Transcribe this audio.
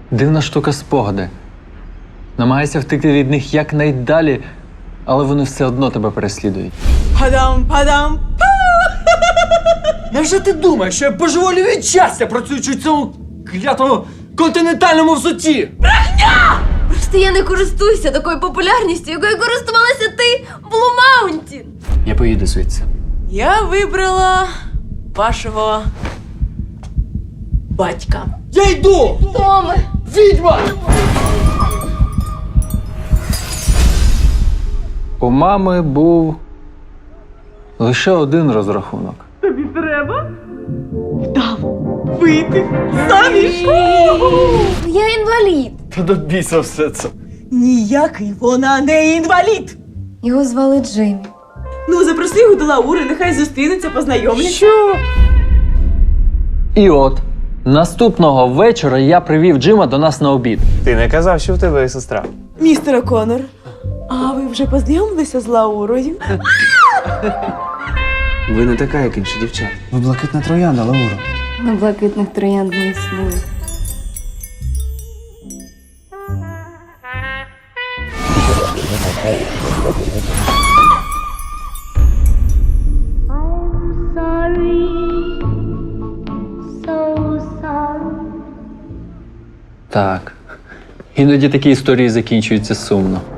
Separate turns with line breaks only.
Дивна штука спогади. Намагайся втекти від них якнайдалі, але вони все одно тебе переслідують.
Падам-падам! Невже ти думаєш, що я божеволію від щастя, працюючи в цьому клятому континентальному взутті?
Просто я не користуюся такою популярністю, якою користувалася ти в Blue Mountain.
Я поїду звідси.
Я вибрала вашого батька. Я йду!
Томе!
Відьма!
У мами був лише один розрахунок.
Я інвалід.
Та до біса все це.
Ніякий вона не інвалід.
Його звали Джеймі.
Ну, запроси його до Лаури, нехай зустрінуться, познайомляться.
Що?
І от, наступного вечора я привів Джима до нас на обід.
Ти не казав, що в тебе є сестра.
Містер О'Коннор, а ви вже познайомилися з Лаурою?
Ви не така, як інші дівчата. Ви блакитна троянда, Лаура.
На блакитних троянд не існує.
Так. Іноді такі історії закінчуються сумно.